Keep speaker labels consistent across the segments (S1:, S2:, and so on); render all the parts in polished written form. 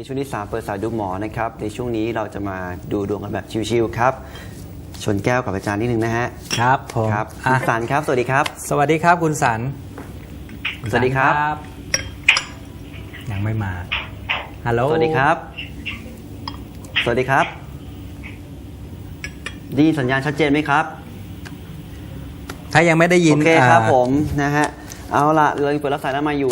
S1: ช่วงที่3เปิดสายดูหมอนะครับในช่วงนี้เราจะมาดูดวงกันแบบชิวๆครับชนแก้วกับอาจารย์นิดนึงนะฮะ
S2: ครับผม
S1: ครับคุณสันครับสวัสดีครับ
S2: สวัสดีครับคุณสัน
S1: สวัสดีครับ
S2: ยังไม่มาฮัลโหล
S1: สวัสดีครับสวัสดีครับได้ยินสัญญาณชัดเจนไหมครับ
S2: ถ้ายังไม่ได้ยิน
S1: โอเคครับผมนะฮะเอาละเราเปิดรับสายแล้วมาอยู่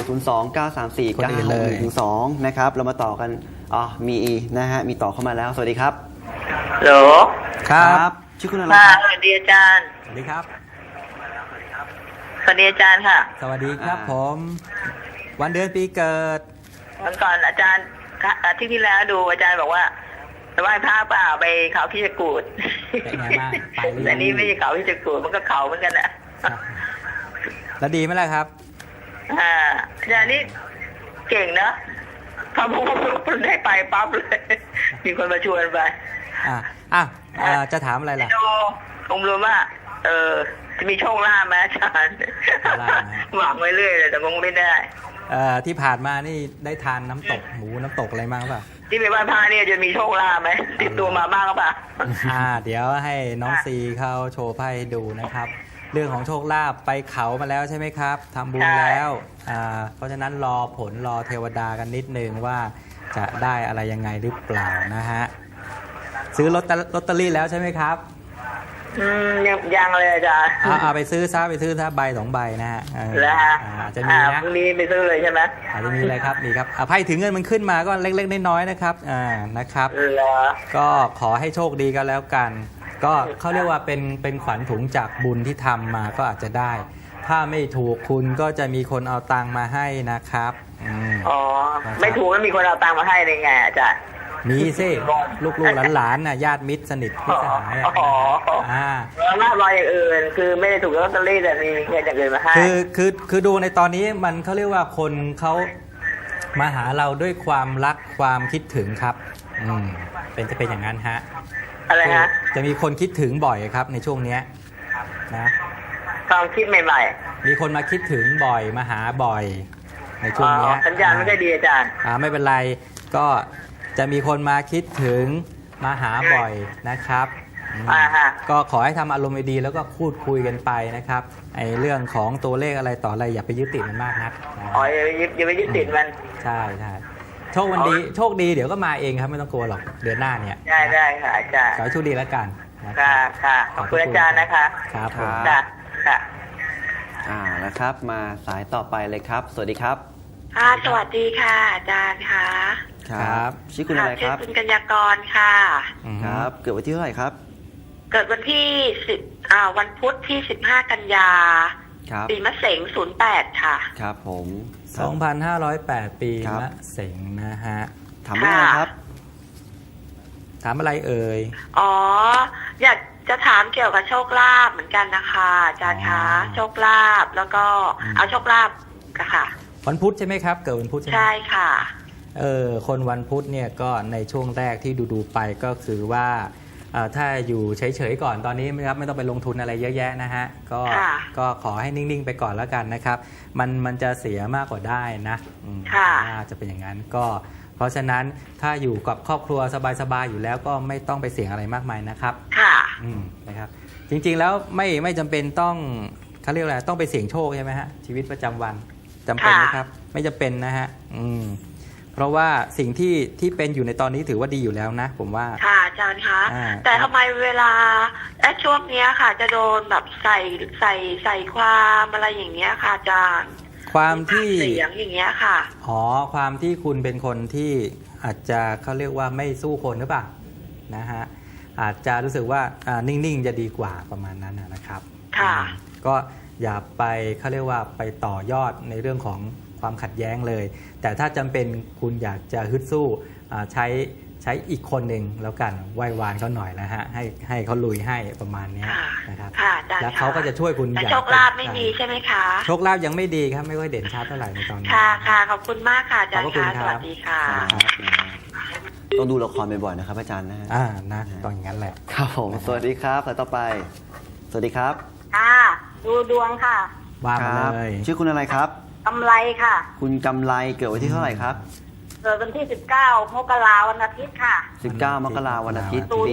S1: 02934956112 นะครับเรามาต่อกันมีนะฮะมีต่อเข้ามาแล้วสวัสดีครับ
S3: ฮัลโหล
S2: ครับ
S1: ชื่อคุณอะไรครับ
S3: สวัสดีอาจารย์
S2: สวัสดีครับ
S3: สวัสดีอาจารย์ค่ะ
S2: สวัสดีครับผมวันเดือนปีเกิด
S3: วันก่อนอาจารย์อาทิตย์ที่แล้วดูอาจารย์บอกว่าไปไหว้พระเปล่าไปเขาพิจกูด
S2: เป็นไงบ้างไปหรือ
S3: แต่นี่ไม่ใช่เขาพิจกูดมันก็เขาเหมือนกันนะ
S2: แล้วดีไหมล่ะครับ
S3: อาจารย์นี่เก่งนะพอพูดได้ไปปั๊บเลยมีคนมาชวนไป
S2: จะถามอะไรล่ะ
S3: ดูรวมว่าจะมีโชคลาภไหมอาจารย์หวังไว้เรื่อยเลยแต่คงไม่ได้
S2: ที่ผ่านมานี่ได้ทานน้ำตกหมูน้ำตกอะไรบ้างป่ะ
S3: ที่ไปไหว้พระเนี่ยจะมีโชคลาภไหมติดตัวมาบ้างหรือเปล่า
S2: เดี๋ยวให้น้องซีเขาโชว์ไพ่ให้ดูนะครับเรื่องของโชคลาภไปเขามาแล้วใช่ไหมครับทำบุญแล้วเพราะฉะนั้นรอผลรอเทวดากันนิดนึงว่าจะได้อะไรยังไงหรือเปล่านะฮะซื้อลอตเตอรี่แล้วใช่ไหมครับ
S3: ยังเลยอาจารย์
S2: ไปซื้อซะใบ2 ใบนะฮะ
S3: แล้ว
S2: จะมีนะ
S3: พรุ่งนี้ไปซื้อเลยใช่ไหม
S2: อาจจะมีอะไรครับมีครับไพ่ถึงเงินมันขึ้นมาก็เล็กๆน้อยๆนะครับนะครับก็ขอให้โชคดีกันแล้วกันก็เขาเรียกว่าเป็นขวัญถุงจากบุญที่ทำมาก็อาจจะได้ถ้าไม่ถูกคุณก็จะมีคนเอาตังมาให้นะครับ
S3: ไม่ถูกแล้วมีคนเอาตังมาให้ได้ไงอาจารย์
S2: มีสิลูกๆหลานๆน่ะญาติมิตรสนิทพี่สหาย
S3: มากรอยอย่างอื่นคือไม่ได้ถูกลอตเตอรี่แต่มีเงินอย่างอื่นมาให้
S2: คือดูในตอนนี้มันเขาเรียกว่าคนเขามาหาเราด้วยความรักความคิดถึงครับจะเป็นอย่างนั้นฮะ
S3: อะไรฮะ
S2: จะมีคนคิดถึงบ่อยครับในช่วงนี้นะ
S3: ความคิดใหม่
S2: ๆมีคนมาคิดถึงบ่อยมาหาบ่อยในช่วงนี้
S3: สัญญาณไม่ได้ดีอาจารย์
S2: ไม่เป็นไรก็จะมีคนมาคิดถึงมาหาบ่อยนะครับก็ขอให้ทำอารมณ์ดีแล้วก็พูดคุยกันไปนะครับไอ้เรื่องของตัวเลขอะไรต่ออะไรอย่าไปยึดติดมันมากนัก
S3: อย่าไปยึดติดมัน
S2: ใช่โชคดีเดี๋ยวก็มาเองครับไม่ต้องกลัวหรอกเดือนหน้าเนี่ย
S3: ได้ค่ะอาจารย์
S2: ขอให้โชคดีแล้วกัน
S3: ค่ะขอบคุณอาจารย์นะคะ
S2: ครับผม
S3: ค่ะ
S1: นะครับมาสายต่อไปเลยครับสวัสดีครับ
S4: สวัสดีค่ะอาจารย์ค่ะ
S1: ครับชื่อคุณอะไรครับ
S4: ชื่อคุณกัญญากรค่ะ
S1: ครับเกิดวันที่เท่าไหร่ครับ
S4: เกิดวันที่วันพุธที่15 กันยาปีมะเสง08ค่ะ
S1: ครับผม
S2: 2508ปีมะเสงนะฮะ
S1: ถามอะไรครับ
S2: ถามอะไรเอ่ย
S4: อยากจะถามเกี่ยวกับโชคลาภเหมือนกันนะคะอาจารย์คะโชคลาภแล้วก็เอาโชคลาภค่ะ
S2: วันพุธใช่ไหมครับเกิดวันพุธใช่ไหม
S4: ใช่ค่ะ
S2: คนวันพุธเนี่ยก็ในช่วงแรกที่ดูไปก็คือว่าถ้าอยู่เฉยๆก่อนตอนนี้นะครับไม่ต้องไปลงทุนอะไรเยอะแยะนะฮะก็ขอให้นิ่งๆไปก่อนแล้วกันนะครับมันจะเสียมากกว่าได้นะจะเป็นอย่างนั้นก็เพราะฉะนั้นถ้าอยู่กับครอบครัวสบายๆอยู่แล้วก็ไม่ต้องไปเสี่ยงอะไรมากมายนะครับนะครับจริงๆแล้วไม่จำเป็นต้องเขาเรียกอะไรต้องไปเสี่ยงโชคใช่ไหมฮะชีวิตประจำวันจำเป็นไหมครับไม่จำเป็นนะฮะเพราะว่าสิ่งที่เป็นอยู่ในตอนนี้ถือว่าดีอยู่แล้วนะผมว่า
S4: ค่ะอาจารย์คะแต่ทำไมเวลาช่วงนี้ค่ะจะโดนแบบใส่ความอะไรอย่างเงี้ยค่ะอาจารย์
S2: ความที่
S4: เสียงอย่างเงี้ยค่ะ
S2: ความที่คุณเป็นคนที่อาจจะเขาเรียกว่าไม่สู้คนหรือเปล่านะฮะอาจจะรู้สึกว่านิ่งๆจะดีกว่าประมาณนั้นนะครับ
S4: ค่ะ
S2: ก็อย่าไปเขาเรียกว่าไปต่อยอดในเรื่องของความขัดแย้งเลยแต่ถ้าจำเป็นคุณอยากจะฮึดสู้ใช้อีกคนหนึ่งแล้วกันไหว้วานเขาหน่อยนะฮะให้เขาลุยให้ประมาณนี้นะครับแล้วเขาก็จะช่วยคุณ
S4: อย่างโชคลาภไม่มีใช่ไหมคะ
S2: โชคลาภยังไม่ดีครับไม่ค่อยเด่นชัดเท่าไหร่ในตอนนี้
S4: ค่ะขอบคุณมากค่ะอาจารย์ค่ะสวัสดีค่ะ
S1: ต้องดูละครบ่อยๆนะครับอาจารย์นะ
S2: นะต้องอย่างนั้นแหละ
S1: ครับผมสวัสดีครับต่อไปสวัสดีครับ
S5: ดูดวงค่ะ
S2: ว่ามาเลย
S1: ชื่อคุณอะไรครับ
S5: กำไรค่ะ
S1: คุณกำไรเกิดวันที่เท่าไหร่ครับ
S5: เกิดวันที่ 19 มกราวันอาทิตย์ค่ะ
S1: 19 มกราคมวันอาทิตย์ปี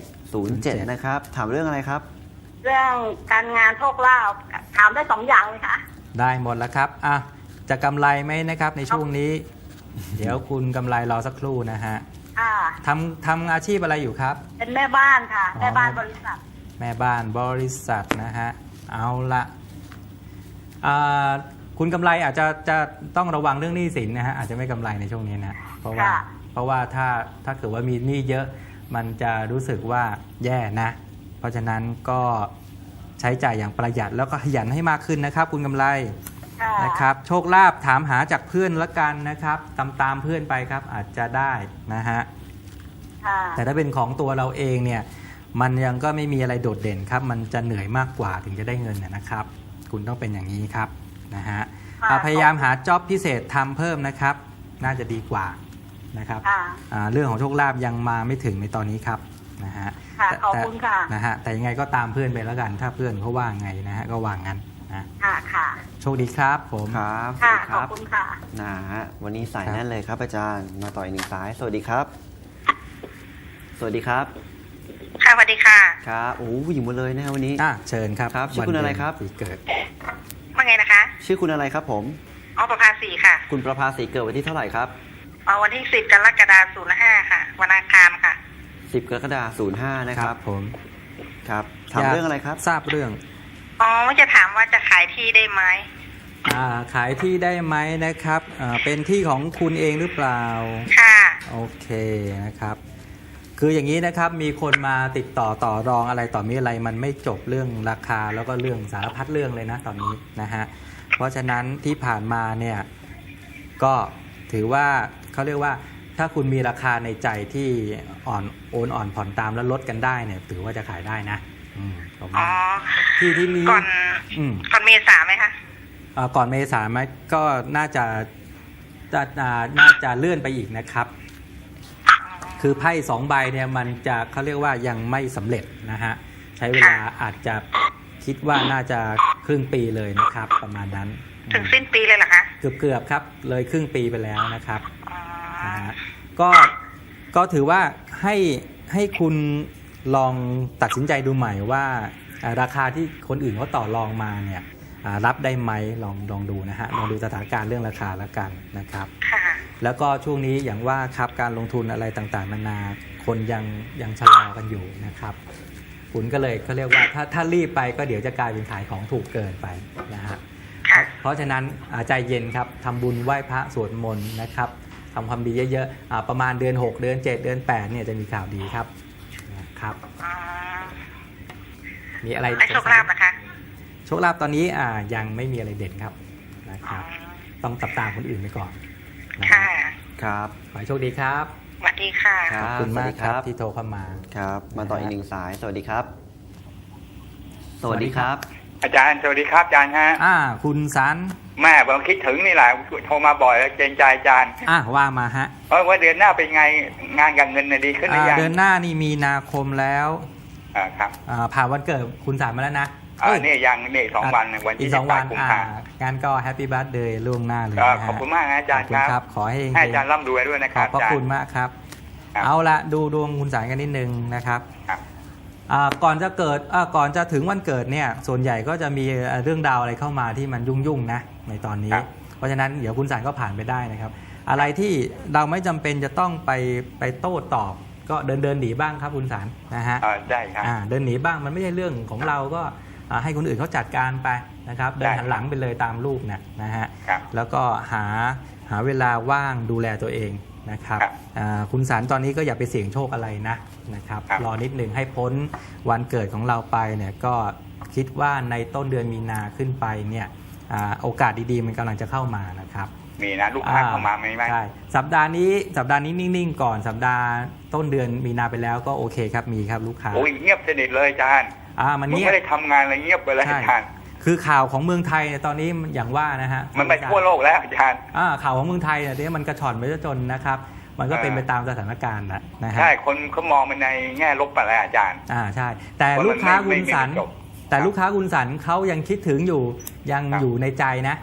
S5: 07
S1: 07 นะครับ ถามเรื่องอะไรครับ
S5: เรื่องการงานโชคลาภถามได้2 อย่างเลยค่ะ
S2: ได้หมดแล้วครับอ่ะจะกำไรไหมนะครับในช่วงนี้ เดี๋ยวคุณกำไรรอสักครู่นะฮะ
S5: ค่ะ
S2: ทำอาชีพอะไรอยู่ครับ
S5: เป็นแม่บ้านค่ะ
S2: อ๋อ
S5: แม่บ้านบริษัท
S2: แม่บ้านบริษัทนะฮะเอาละอ่าคุณกำไรอาจจะต้องระวังเรื่องหนี้สินนะฮะอาจจะไม่กำไรในช่วงนี้นะเพราะว่า
S5: ค่ะ
S2: ถ้าเกิดว่ามีหนี้เยอะมันจะรู้สึกว่าแย่นะ เพราะฉะนั้นก็ใช้จ่ายอย่างประหยัดแล้วก็ขยันให้มากขึ้นนะครับ คุณกำไร
S5: ค่ะ
S2: นะครับโชคลาภถามหาจากเพื่อนละกันนะครับตามเพื่อนไปครับอาจจะได้นะฮะ
S5: ค่ะ
S2: แต่ถ้าเป็นของตัวเราเองเนี่ยมันยังก็ไม่มีอะไรโดดเด่นครับมันจะเหนื่อยมากกว่าถึงจะได้เงินนะครับ คุณต้องเป็นอย่างนี้ครับนะฮะ
S5: ค่ะ
S2: พยายามหาจ็อบพิเศษทำเพิ่มนะครับ น่าจะดีกว่านะครับ
S5: ค่ะ
S2: เรื่องของโชคลาภยังมาไม่ถึงในตอนนี้ครับนะฮะ
S5: ค่ะ
S2: แต่
S5: ขอบคุณค่ะ
S2: นะฮะแต่ยังไงก็ตามเพื่อนไปแล้วกัน ถ้าเพื่อนเขาว่าไงนะฮะก็ว่างั้นนะ
S5: ค่ะ ค่ะ
S2: โชคดีครับผม
S1: ครับ
S5: ค่ะ
S1: สวัสดีค
S5: ขอ
S1: รั
S5: บบ คุณค่ะ
S1: นะฮะวันนี้สาย
S2: ครับ
S1: แน่นเลยครับอาจารย์มาต่ออีกหนึ่งสาย สวัสดีครับ สวัสดีครับ
S3: ค่ะสวัสดีค่ะ
S1: ครับโอ้โหผู้หญิงหมดเลยนะฮะวันนี้
S2: เชิญครับ
S1: ครับชื่อคุณอะไรครับ
S2: วันเดือนปีเกิด
S3: ว่าไงนะคะ
S1: ชื่อคุณอะไรครับผม
S3: อ๋อประภาสีค่ะ
S1: คุณประภาสีเกิดวันที่เท่าไหร่ครับ
S3: อ๋อวันที่10 กรกฎาคม 05 ค่ะ วันอังคารค่ะ
S1: 10 กรกฎาคม 05 นะครับ
S2: ผม
S1: ครับถามเรื่องอะไรครับ
S2: ทราบเรื่อง
S3: อ๋อจะถามว่าจะขายที่ได้ไหม
S2: ขายที่ได้ไหมนะครับเป็นที่ของคุณเองหรือเปล่า
S3: ค่ะ
S2: โอเคนะครับ คืออย่างนี้นะครับมีคนมาติดต่อรองอะไรต่อมีอะไรมันไม่จบเรื่องราคาแล้วก็เรื่องสารพัดเรื่องเลยนะตอนนี้นะฮะเพราะฉะนั้นที่ผ่านมาเนี่ยก็ถือว่าเขาเรียกว่าถ้าคุณมีราคาในใจที่อ่อนผ่อนตามแล้วลดกันได้เนี่ยถือว่าจะขายได้นะผม
S3: อ๋อ
S2: ว่าที่นี้
S3: ก่อน
S2: อืม
S3: ก่อนเมษาไหมคะ
S2: ก่อนเมษาไหมก็น่าจะเลื่อนไปอีกนะครับ คือไพ่2 ใบเนี่ยมันจะเขาเรียกว่ายังไม่สำเร็จนะฮะใช้เวลาอาจจะคิดว่าน่าจะครึ่งปีเลยนะครับ ประมาณนั้น
S3: ถึงสิ้นปีเลยเหรอคะ
S2: เกือบครับเลยครึ่งปีไปแล้วนะครับ
S3: อ๋อ
S2: นะฮะก็ถือว่าให้คุณลองตัดสินใจดูใหม่ว่าราคาที่คนอื่นเขาต่อรองมาเนี่ยรับได้ไหมลองดูนะฮะลองดูสถานการณ์เรื่องราคาแล้วกันนะครับ
S3: ค่ะ
S2: แล้วก็ช่วงนี้อย่างว่าครับการลงทุนอะไรต่างๆนานาคนยังชะลอกันอยู่นะครับคุณก็เลยเขาเรียกว่าถ้ารีบไปก็เดี๋ยวจะกลายเป็นขายของถูกเกินไปนะฮะ
S3: ค่ะ
S2: เพราะฉะนั้นใจเย็นครับทำบุญไหว้พระสวดมนต์นะครับทำความดีเยอะๆประมาณเดือน 6 เดือน 7 เดือน 8เนี่ยจะมีข่าวดีครับนะครับ
S3: อ๋อ
S2: มีอะไร
S3: ไอ้โชคลาภนะคะ
S2: โชคลาภตอนนี้ยังไม่มีอะไรเด่นครับนะครับ ต้องตับตามคนอื่นไปก่อนนะ
S3: ค่ะ
S1: ครับ
S2: ขอให้โชคดีครับ
S3: สวัสดีค่ะ
S1: ครั
S2: ขอบคุณมากครับที่โทรเข้ามา
S1: ครับ มาต่ออีกหนึ่งสาย สวัสดีครับ สวัสดีครับ
S6: อาจารย์สวัสดีครับอาจารย์ฮะ
S2: คุณสัน
S6: แม่ผมคิดถึงนี่แหละโทรมาบ่อยแล้วเกรงใจอาจารย์
S2: ว่ามาฮะ
S6: ว่าเดือนหน้าเป็นไงงานกับเงินน่ะดีขึ้นหรือยัง
S2: เดือนหน้านี่มีนาคมแล้ว
S6: ครับ
S2: ผ่านวันเกิดคุณสันมาแล้วนะ
S6: นี่ยังนี่2 วันวัน
S2: อี
S6: ที่
S2: ก2 วัน
S6: 18 กุมภาพันธ์
S2: งานก็แฮปปี้บั t เดย์ล่วงหน้าเลย
S6: ก็
S2: นะฮะ
S6: ขอบคุณมากนะอาจารย์
S2: ขอบคุณครับ ขอให้
S6: ให้อาจารย์ร่ำรวยด้วยนะค
S2: ข
S6: รั
S2: อ
S6: บบ
S2: พระ
S6: อาจาร
S2: คุณ
S6: ย์
S2: มากครับ
S6: ครับ
S2: เอาละดูดวงคุณสันกันนิดนึงนะครับ
S6: ครับ
S2: ก่อนจะถึงวันเกิดเนี่ยส่วนใหญ่ก็จะมีเรื่องราวอะไรเข้ามาที่มันยุ่งๆนะในตอนนี้ เพราะฉะนั้นเดี๋ยวคุณสันก็ผ่านไปได้นะครับ อะไรที่เราไม่จำเป็นจะต้องไปโต้ตอบก็เดินหนีบ้างครับคุณสันนะฮะ
S6: ได้ครับ
S2: เดินหนีบ้างมันไม่ใช่เรื่องของเราก็ให้คนอื่นเขาจัดการไปนะครับเดินหันหลังไปเลยตามลูกนะฮะ
S6: ครับ
S2: แล้วก็หาเวลาว่างดูแลตัวเองนะครับ
S6: ครับ
S2: คุณสารตอนนี้ก็อย่าไปเสี่ยงโชคอะไรนะครับ
S6: ครับ
S2: รอนิดหนึ่งให้พ้นวันเกิดของเราไปเนี่ยก็คิดว่าในต้นเดือนมีนาขึ้นไปเนี่ยโอกาสดีๆมันกำลังจะเข้ามานะครับ
S6: มีนะลูกค้าเข้ามาไหม
S2: ใช่สัปดาห์นี้นิ่งๆก่อนสัปดาห์ต้นเดือนมีนาไปแล้วก็โอเคครับมีครับลูกค้า
S6: โอ้ยเงียบสนิทเลยอาจารย์
S2: มัน
S6: มึง
S2: เงียบ
S6: ไม่ได้ทำงานอะไรเงียบไปเลย
S2: ใช่
S6: อาจารย์
S2: คือข่าวของเมืองไทยเนี่ยตอนนี้อย่างว่านะฮะ
S6: มันไปทั่วโลกแล้วอาจารย์
S2: ข่าวของเมืองไทยเนี่ยมันกระชอนไปจนนะครับ มันก็เป็นไปตามสถานการณ์นะฮะ
S6: ใช่คนเขามองมันในแง่ลบไปแล้วอาจารย์
S2: ใช่ แต่ลูกค้าคุณสัน
S6: ไม่จบ
S2: แต่ลูกค้าคุณสันเขายังคิดถึงอยู่ยัง
S6: ครับ
S2: อยู่ในใจนะ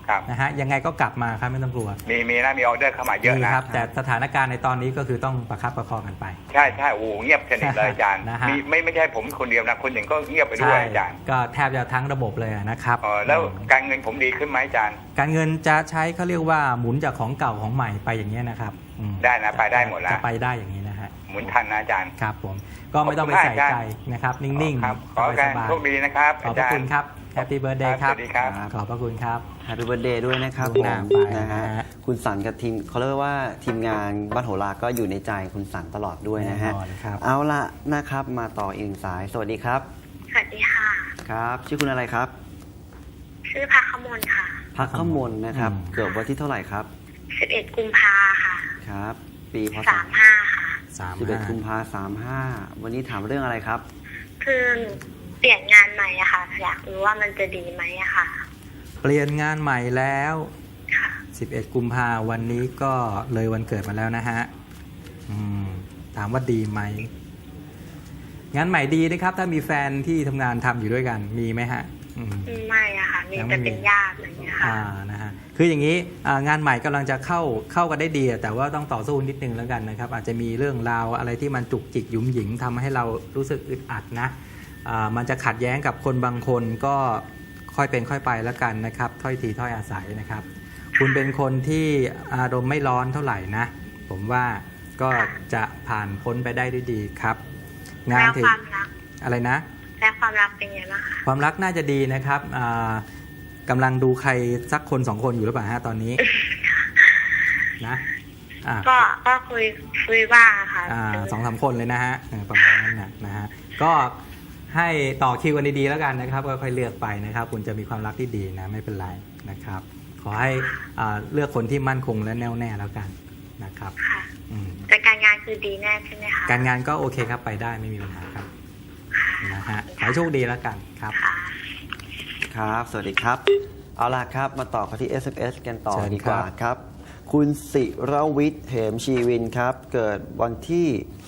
S6: ครับ
S2: นะฮะยังไงก็กลับมาครับไม่ต้องกลัว
S6: มีนะมีออเดอร์เข้ามาเยอะ
S2: มี
S6: นะครับ
S2: แต่สถานการณ์ในตอนนี้ก็คือต้องประคับประคองกันไป
S6: ใช่โอ้โหเงียบสนิทเลยอาจารย์
S2: นะฮะ
S6: ไม่ใช่ผมคนเดียวนะคนอื่นก็เงียบไปด้วยอาจารย์
S2: ก็แทบจะทั้งระบบเลยนะครับ
S6: แล้วการเงินผมดีขึ้นไหมอาจารย์
S2: การเงินจะใช้เขาเรียกว่าหมุนจากของเก่าของใหม่ไปอย่างนี้ยนะครับอืม
S6: ได้นะไปได้หมดแล้ว
S2: จะไปได้อย่างนี้นะฮะ
S6: หมุนทันนะอาจารย์
S2: ครับผมก็ไม่ต้องไปใส่ใจนะครับนิ่ง
S6: ครับ
S2: ๆ
S6: ขอการ
S2: สบาย
S6: โชคดีนะครับ
S2: ๆขอบพระคุณครับแฮปปี้เบิร์ดเดย์ครับ
S6: สวัสดีครับ
S2: ขอบพระคุณครับ
S1: แฮปปี้เบิร์ดเดย์ด้วยนะครับ
S2: ล่วงหน้า
S1: ผม
S2: ไป
S1: นะฮะ
S2: นะฮะ
S1: คุณสันกับทีมเขาเรียกว่าทีมงานบ้านโหราก็อยู่ในใจคุณสันตลอดด้วยนะฮะ
S2: แน่นอนครับ
S1: เอาละนะครับมาต่ออีกหนึ่งสาย สวัสดีครับ
S5: สวัสดีค่ะ
S1: ครับ ชื่อคุณอะไรครับ
S5: ชื่อพักขมลค่ะ
S1: พักขมลนะครับ เกิดวันที่เท่าไหร่ครับ
S5: 11 กุมภาค่ะ
S1: ครับ ปีพศ
S5: 35 ค่ะ
S1: 11 กุมภา35วันนี้ถามเรื่องอะไรครับ
S5: คือเปลี่ยนงานใหม่อะค่ะ อยากรู้ว่ามันจะดีไหมอะค่ะ
S2: เปลี่ยนงานใหม่แล้ว
S5: ค่ะ
S2: 11 กุมภาวันนี้ก็เลยวันเกิดมาแล้วนะฮะถามว่าดีไหมงานใหม่ดีนะครับ ถ้ามีแฟนที่ทำงานทำอยู่ด้วยกันมีไหมฮะ
S5: ไม่อะค่ะ มี
S2: ยังไม่
S5: แต่
S2: มี
S5: เป็นญาติอะไรอย่างเงี้ยค่ะ
S2: นะฮะคืออย่างนี้งานใหม่กำลังจะเข้ากันได้ดีแต่ว่าต้องต่อสู้นิดนึงแล้วกันนะครับ อาจจะมีเรื่องราวอะไรที่มันจุกจิกหยุมหยิมทำให้เรารู้สึกอึดอัดนะมันจะขัดแย้งกับคนบางคนก็ค่อยเป็นค่อยไปแล้วกันนะครับถ้อยทีถ้อยอาศัยนะครับ คุณเป็นคนที่อารมณ์ไม่ร้อนเท่าไหร่นะ ผมว่าก็จะผ่านพ้นไปได้ด้วยดีครับ งาน
S5: แล้ว
S2: ถึง
S5: ความรัก
S2: อะไรนะ
S5: และความรักเป็นไงบ้างคะ
S2: ความรักน่าจะดีนะครับกำลังดูใครสักคนสองคนอยู่หรือเปล่าฮะตอนนี้นะ
S5: ก็คุยบ้างค่ะ
S2: 2-3 คนเลยนะฮะประมาณนั้นนะฮะก็ให้ต่อคิวกันดีๆแล้วกันนะครับก็ค่อยเลือกไปนะครับ คุณจะมีความรักที่ดีนะไม่เป็นไรนะครับ ขอให้เลือกคนที่มั่นคงและแน่วแน่แล้วกันนะครับ
S5: ค่ะแต่การงานคือดีแน่ใช่ไหมคะ
S2: การงานก็โอเคครับไปได้ไม่มีปัญหาครับนะฮะขอให้โชคดีแล้วกันครับ
S5: ค่ะ
S1: ครับ สวัสดีครับ เอาล่ะครับ มาต่อกันที่ SMS กันต่อ
S2: เชิญ
S1: ดีกว่า
S2: ครับ
S1: ครับ คุณศิรวิทย์เหมชีวินครับ เกิดวันที่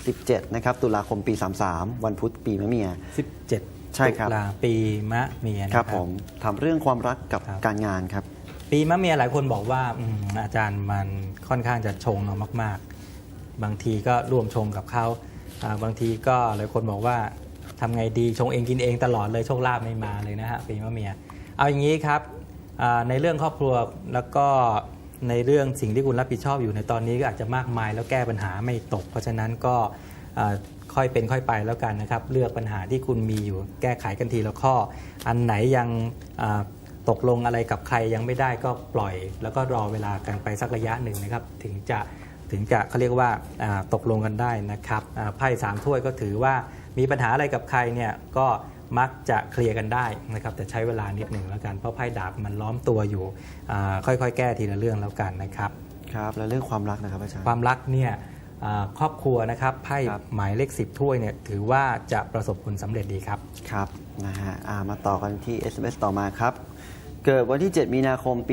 S1: 17 นะครับ ตุลาคมปี 33 วันพุธปีมะเมีย
S2: 17
S1: ใช่ครับ
S2: ตุลาปีมะเมียนะ
S1: ค
S2: ค
S1: รั
S2: รั
S1: บบ ผมถามเรื่องความรักกับ
S2: ครับ
S1: การงานครับ
S2: ปีมะเมียหลายคนบอกว่าอาจารย์มันค่อนข้างจะชงเอามากๆ บางทีก็ร่วมชงกับเขาบางทีก็หลายคนบอกว่าทำไงดีชงเองกินเองตลอดเลยโชคลาภไม่มาเลยนะฮะปีมะเมียเอาอย่างนี้ครับในเรื่องครอบครัวแล้วก็ในเรื่องสิ่งที่คุณรับผิดชอบอยู่ในตอนนี้ก็อาจจะมากมายแล้วแก้ปัญหาไม่ตก เพราะฉะนั้นก็ค่อยเป็นค่อยไปแล้วกันนะครับเลือกปัญหาที่คุณมีอยู่แก้ไขกันทีละข้ออันไหนยังตกลงอะไรกับใครยังไม่ได้ก็ปล่อย แล้วก็รอเวลากันไปสักระยะหนึ่งนะครับถึงจะเขาเรียกว่าตกลงกันได้นะครับไพ่3 ถ้วยก็ถือว่ามีปัญหาอะไรกับใครเนี่ยก็มักจะเคลียร์กันได้นะครับแต่ใช้เวลานิดหนึ่งแล้วกันเพราะไพ่ดาบมันล้อมตัวอยู่ค่อยๆแก้ทีละเรื่องแล้วกันนะครับ
S1: ครับ แล้วเรื่องความรักนะครับอาจารย์
S2: ความรักเนี่ยครอบครัวนะครับไพ่
S1: ครับ
S2: หมายเลข10 ถ้วยเนี่ยถือว่าจะประสบผลสำเร็จดีครับ
S1: ครับนะฮะมาต่อกันที่ SMS ต่อมาครับ เกิดวันที่ 7 มีนาคมปี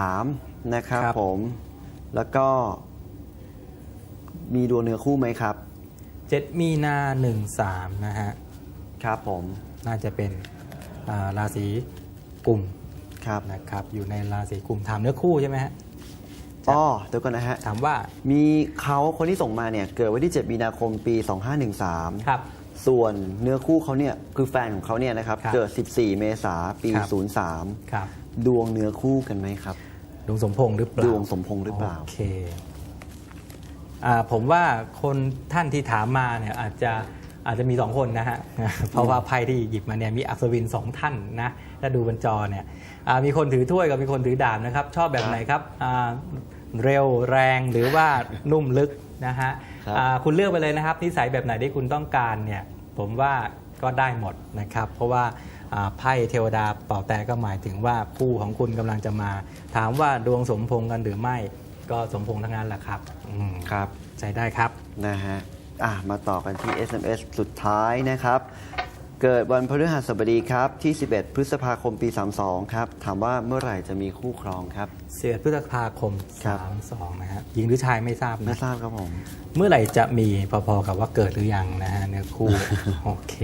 S1: 13 นะครับ
S2: ครับ
S1: ผม แล้วก็มีดวงเนื้อคู่ไหมครับ
S2: 7 มีนา 13 นะฮะ
S1: ครับผม
S2: น่าจะเป็นราศีกุม
S1: ครับ
S2: นะครับอยู่ในราศีกุมถามเนื้อคู่ใช่ไหมฮะ
S1: อ๋อเดี๋ยวก่อนนะฮะ
S2: ถามว่า
S1: มีเขาคนที่ส่งมาเนี่ย เกิดวันที่ 7 มีนาคมปี 2513
S2: ครับ
S1: ส่วนเนื้อคู่เขาเนี่ยคือแฟนของเขาเนี่ยนะครับ
S2: ครับ
S1: เกิด 14 เมษายนปี
S2: ครับ
S1: 03
S2: ครับ
S1: ดวงเนื้อคู่กันไหมครับ
S2: ดวงสมพงษ์หรือเปล่า
S1: ดวงสมพงษ์หรือเปล่า
S2: โอเคผมว่าคนท่านที่ถามมาเนี่ยอาจจะมี 2 คนนะฮะ เพราะว่าไพ่ที่หยิบมาเนี่ยมีอัศวิน 2 ท่านนะถ้าดูบนจอเนี่ยมีคนถือถ้วยกับมีคนถือดาบนะครับ ชอบแบบไหนครับเร็วแรงหรือว่านุ่มลึกนะฮะ
S1: ครับ
S2: คุณเลือกไปเลยนะครับนิสัยแบบไหนที่คุณต้องการเนี่ยผมว่าก็ได้หมดนะครับ เพราะว่าไพ่เทวดาเป่าแต่ก็หมายถึงว่าคู่ของคุณกำลังจะมา ถามว่าดวงสมพงษ์กันหรือไม่ก็สมพงษ์ทั้งนั้นแหละครับ
S1: ครับ
S2: ใช้ได้ครับ
S1: นะฮะมาต่อกันที่ SMS สุดท้ายนะครับ เกิดวันพฤหัสบดีครับที่ 11 พฤษภาคมปี 32 ครับ ถามว่าเมื่อไหร่จะมีคู่ครองครับ
S2: 11 พฤษภาคม
S1: ครับ
S2: 32 นะฮะหญิงหรือชายไม่ทราบ
S1: ไม่
S2: นะ
S1: ทราบครับผม
S2: เมื่อไหร่จะมีพอๆกับว่าเกิดหรือยังนะฮะเนื้อคู่ โอเค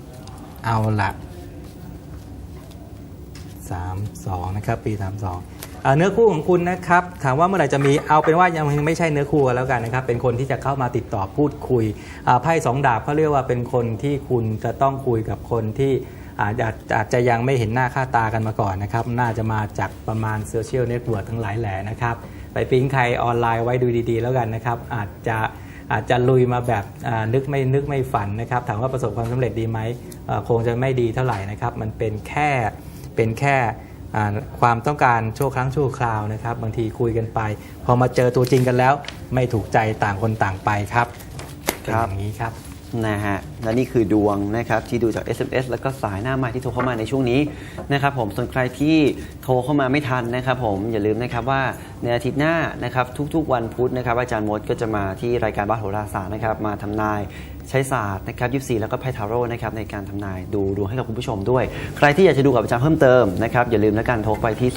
S2: เอาละ32 นะครับ ปี 32 เนื้อคู่ของคุณนะครับถามว่าเมื่อไหร่จะมีเอาเป็นว่ายังไม่ใช่เนื้อคู่กันแล้วกันนะครับเป็นคนที่จะเข้ามาติดต่อพูดคุยไพ่2 ดาบเขาเรียกว่าเป็นคนที่คุณจะต้องคุยกับคนที่อาจจะยังไม่เห็นหน้าค่าตากันมาก่อนนะครับน่าจะมาจากประมาณโซเชียลเน็ตเวิร์กทั้งหลายแหล่นะครับไปปิ๊งใครออนไลน์ไว้ดูดีๆแล้วกันนะครับอาจจะลุยมาแบบนึกไม่ฝันนะครับถามว่าประสบความสำเร็จดีไหมคงจะไม่ดีเท่าไหร่นะครับมันเป็นแค่ความต้องการชั่วครั้งชั่วคราวนะครับบางทีคุยกันไปพอมาเจอตัวจริงกันแล้วไม่ถูกใจต่างคนต่างไปครับเป็นอย่างนี้ครับ
S1: นะฮะและนี่คือดวงนะครับที่ดูจาก SMS แล้วก็สายหน้าใหม่ที่โทรเข้ามาในช่วงนี้นะครับผมส่วนใครที่โทรเข้ามาไม่ทันนะครับผมอย่าลืมนะครับว่าในอาทิตย์หน้านะครับทุกๆวันพุธนะครับอาจารย์มดก็จะมาที่รายการบ้านโหราศาสตร์นะครับมาทำนายใช้ศาสตร์นะครับ24แล้วก็ไพ่ทาโร่นะครับในการทำนายดูดวงให้กับคุณผู้ชมด้วยใครที่อยากจะดูกับอาจารย์เพิ่มเติมนะครับอย่าลืมแล้วกันโทรไปที่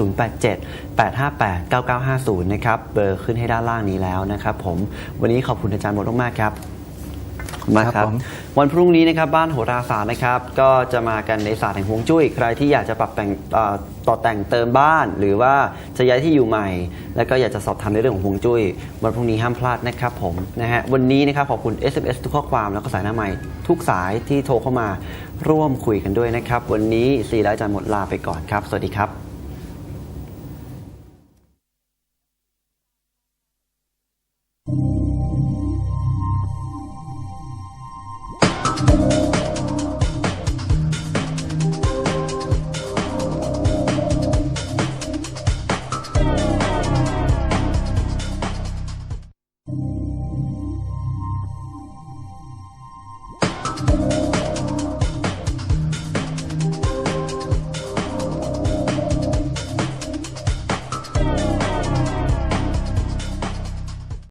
S1: 0878589950นะครับเบอร์ขึ้นให้ด้านล่างนี้แล้วนะครับผมวันนี้ขอบคุณอาจารย์มดมากๆครับมาครับวันพรุ่งนี้นะครับบ้านโหราศาสตร์นะครับก็จะมากันในศาสตร์แห่งฮวงจุ้ยใครที่อยากจะปรับแต่งต่อแต่งเติมบ้านหรือว่าจะย้ายที่อยู่ใหม่แล้วก็อยากจะสอบถามในเรื่องของฮวงจุ้ยวันพรุ่งนี้ห้ามพลาดนะครับผมนะฮะวันนี้นะครับขอบคุณ SMS ทุกข้อความแล้วก็สายหน้าใหม่ทุกสายที่โทรเข้ามาร่วมคุยกันด้วยนะครับวันนี้4และอาจารย์หมดลาไปก่อนครับสวัสดีครับ